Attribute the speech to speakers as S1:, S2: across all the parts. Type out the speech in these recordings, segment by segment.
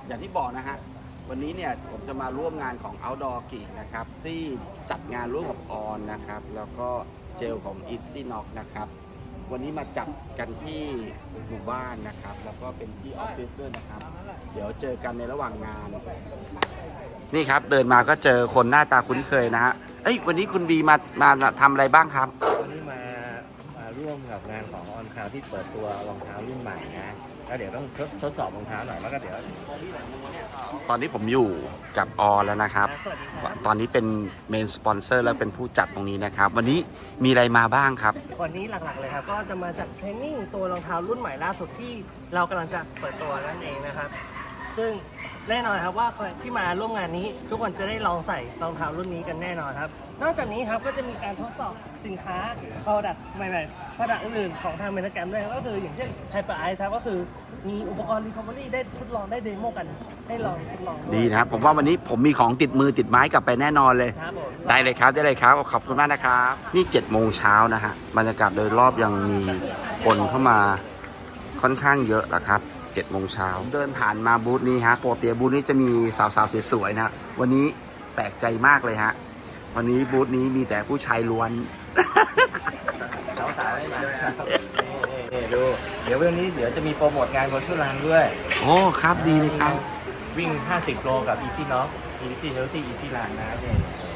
S1: อย่างที่บอกนะฮะวันนี้เนี่ยผมจะมาร่วมงานของ Outdoor Geek นะครับที่จัดงานร่วมกับออนนะครับแล้วก็เจลของ Easynox นะครับวันนี้มาจัดกันที่หมู่บ้านนะครับแล้วก็เป็นที่ออฟฟิศด้วยนะครับเดี๋ยวเจอกันในระหว่างงานนี่ครับเดินมาก็เจอคนหน้าตาคุ้นเคยนะฮะวันนี้คุณบีมาทำอะไรบ้างครับ
S2: วันนี้มาร่วมกับงานของออนคลาวที่เปิดตัวรองเท้ารุ่นใหม่นะแล้วเดี๋ยวต้องทดสอบรองเท้าหน่อยแล้วก็เดี๋ยว
S1: ตอนนี้ผมอยู่กับออแล้วนะครับตอนนี้เป็นเมนสปอนเซอร์แล้วเป็นผู้จัดตรงนี้นะครับวันนี้มีอะไรมาบ้างครับ
S2: วันนี้หลักๆเลยครับก็จะมาจัดเทรนนิ่งตัวรองเท้ารุ่นใหม่ล่าสุดที่เรากำลังจะเปิดตัวนั่นเองนะครับซึ่งแน่นอนครับว่าคนที่มาร่วมงานนี้ทุกคนจะได้ลองใส่รองเท้ารุ่นนี้กันแน่นอนครับนอกจากนี้ครับก็จะมีการทดสอบสินค้า product ใหม่ๆ product อื่นๆของทางเมนเกมด้วยก็คืออย่างเช่น Hyper Ice ครับก็คือมีอุปกรณ์ Recovery ได้ทดลองได้เดโมกันให้ลองทดลอง
S1: ดีนะครับผมว่าวันนี้ผมมีของติดมือติดไม้กลับไปแน่นอนเลยได้เลยครับขอบคุณมากนะครับนี่7 โมงเช้านะฮะบรรยากาศโดยรอบยังมีคนเข้ามาค่อนข้างเยอะนะครับ7 โมงเช้าเดินผ่านมาบูธนี้ฮะปกติบูธนี้จะมีสาวๆสวยๆนะวันนี้แปลกใจมากเลยฮะวันนี้บูธนี้มีแต่ผู้ชายล้วน
S2: สาวๆไม่มาดูเดี๋ยววันนี้เดี๋ยวจะมีโปรโมทงานโคชูรันด้วย
S1: โอ้ครับดีเลยครับ
S2: วิ่ง50 โลกับ Easynox Easy Healthy Easy Run นะเนี่ย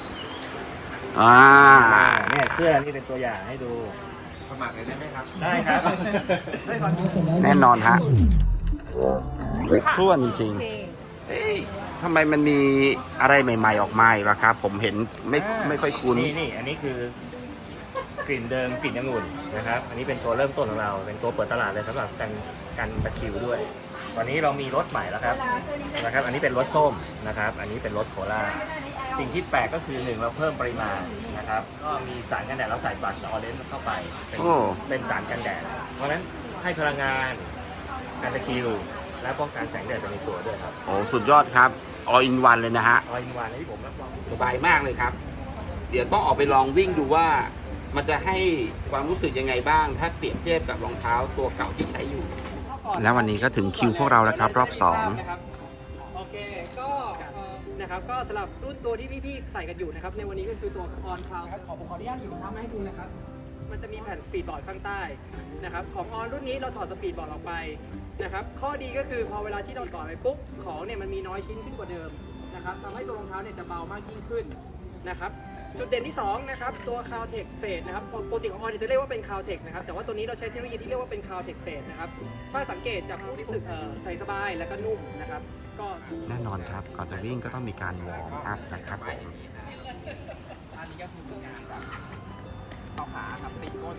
S2: เนี่ยเสื้อนี่เป็นตัวอย่างให้ดู
S1: สมัครเลยได้ไหมครับ
S2: ได้ครับ
S1: แน่นอนฮะท่วนจริงๆทำไมมันมีอะไรใหม่ๆออกมาอีกล่ะครับผมเห็นไม่ค่อยคุ้น
S2: นี่อันนี้คือกลิ่นเดิมกลิ่นองุ่นนะครับอันนี้เป็นตัวเริ่มต้นของเราเป็นตัวเปิดตลาดเลยสำหรับกันตะคริวด้วยตอนนี้เรามีรสใหม่แล้วครับอันนี้เป็นรสส้มนะครับอันนี้เป็นรสโคลาสิ่งที่แปลกก็คือ1เราเพิ่มปริมาณนะครับก็มีสารกันแดดเราใส่บลัชออเรนจ์เข้าไปเป็นสารกันแดดเพราะฉะนั้นให้พลังงานกันตะคริวและป้องกันแสงแดดไปในตัวด้วยครับ
S1: โอ้สุดยอดครับ all in one เลยนะฮะ
S2: all in one ที่ผมรับรอง
S1: สบายมากเลยครับเดี๋ยวต้องออกไปลองวิ่งดูว่ามันจะให้ความรู้สึกยังไงบ้างถ้าเปรียบเทียบกับรองเท้าตัวเก่าที่ใช้อยู่แล้ววันนี้ก็ถึงคิวพวกเราแล้วครับรอบ2
S3: โอเคก็นะครับก็สำหรับรุ่นตัวที่พี่ๆใส่กันอยู่นะครับในวันนี้ก็คือตัว On Cloud ครับผมขออนุญาตหยิบรองเท้ามาให้ดูนะครับมันจะมีแผ่นสปีดบอร์ดข้างใต้นะครับของ On รุ่นนี้เราถอดสปีดบอร์ดออกไปนะครับข้อดีก็คือพอเวลาที่เราต่อไปปุ๊บของเนี่ยมันมีน้อยชิ้นขึ้นกว่าเดิมนะครับทำให้ตัวรองเท้าเนี่ยจะเบามากยิ่งขึ้นนะครับจุดเด่นที่2นะครับตัว Cloudtech Fade นะครับปกติของ On จะเรียกว่าเป็น Cloudtech นะครับแต่ว่าตัวนี้เราใช้เทคโนโลยีที่เรียกว่าเป็น Cloudtech Fade นะครับถ้าสังเกตจากผู้ที่รู้สึกใส่สบายแล้วก็นุ่มนะครับก็
S1: แน่นอนครับก่อนจะวิ่งก็ต้องมีการวอร์มอัพนะครับผม
S3: อันนี้ก็คืองานต่อขาครับตีก้น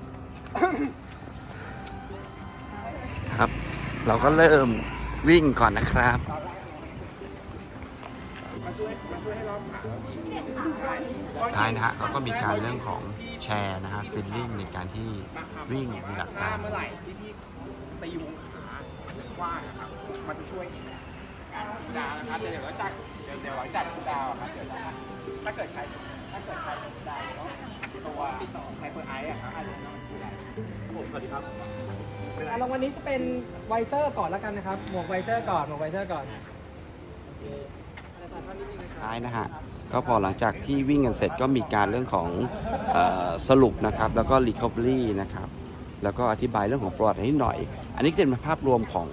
S1: ครับเราก็เริ่มวิ่งก่อนนะครับท้ายนะฮะเขาก็มีการเรื่องของแชร์นะฮะฟิลลิ่งในการที่วิ่งมีหลักการ
S3: เมื่อไหร่ที่พี่ตีวงขากว้างนะครับมันจะช่วยการคูลดาวน์นะครับเดี๋ยวหลังจากคูลดาวน์ครับเดี๋ยวถ้าเกิดใครคูลดาวน์ตัวติดต่อไฮเปอร์ไอซ์ครับอาจจะต้องคูลดาวน์ผมสวัสดีครับรางวัลนี้จะเป็นไวเซอร์ก่อนแล้วกันนะครับหมวกไวเซอร์ก่อน
S1: ท้ายนะฮะก็พอหลังจากที่วิ่งกันเสร็จก็มีการเรื่องของสรุปนะครับแล้วก็ recovery นะครับแล้วก็อธิบายเรื่องของประวัตินิดหน่อยอันนี้เป็นภาพรวมของ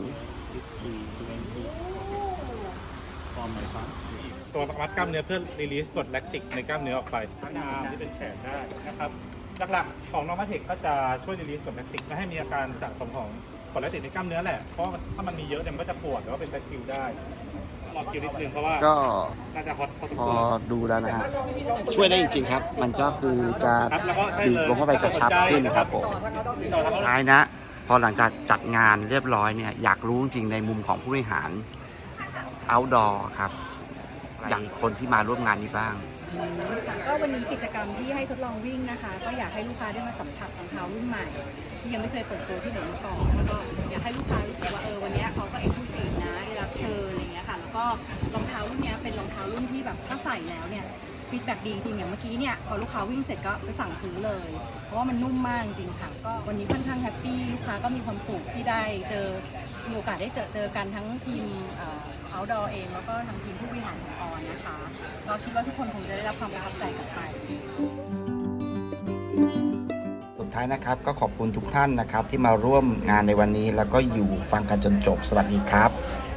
S4: ตัววัดกล้ามเนื้อเพื่อรีลีสกรดแลคติกในกล้ามเนื้อออกไปทั้งอาร์มที่เป็นแขนได้นะครับหลักๆของนอร์มาเทคก็จะช่วยรีลีสกรดแลคติกไม่ให้มีอาการสะสมของกรดแลคติกในกล้ามเนื้อแหละเพราะถ้ามันมีเยอะเนี่ยมันก็จะปวดหรือว่าเป็นตะคริวได้รอบคิวนิดนึงเพราะว่า
S1: ก็
S4: น่าจะฮอต
S1: พอดูแล้วนะฮะช่วยได้จริงๆครับมันก็คือจะดีดลงเข้าไปกระชับขึ้นครับผมท้ายนะพอหลังจากจัดงานเรียบร้อยเนี่ยอยากรู้จริงในมุมของผู้บริหาร outdoor ครับอย่างคนที่มาร่วมงานนี้บ้าง
S5: ก็วันนี้กิจกรรมที่ให้ทดลองวิ่งนะคะก็อยากให้ลูกค้าได้มาสัมผัสรองเท้ารุ่นใหม่ที่ยังไม่เคยเปิดตัวที่ไหนมาก่อนแล้วก็อยากให้ลูกค้ารู้สึกว่าวันนี้เขาก็เอ็กซ์คลูซีฟนะได้รับเชิญอะไรเงี้ยค่ะแล้วก็รองเท้ารุ่นนี้เป็นรองเท้ารุ่นที่แบบถ้าใส่แล้วเนี่ยฟีดแบ็กดีจริงอย่างเมื่อกี้เนี่ยพอลูกค้าวิ่งเสร็จก็ไปสั่งซื้อเลยเพราะว่ามันนุ่มมากจริงค่ะก็วันนี้ค่อนข้างแฮปปี้ลูกค้าก็มีความสุขที่ได้มีโอกาสได้เจอกันทั้งทีม Outdoor เองแล้วก็ทางทีมผู้บริหารของออนนะคะเราคิดว่าทุกคนคงจะได้รับความประทับใจกลับไป
S1: สุดท้ายนะครับก็ขอบคุณทุกท่านนะครับที่มาร่วมงานในวันนี้แล้วก็อยู่ฟังกันจนจบสวัสดีครับ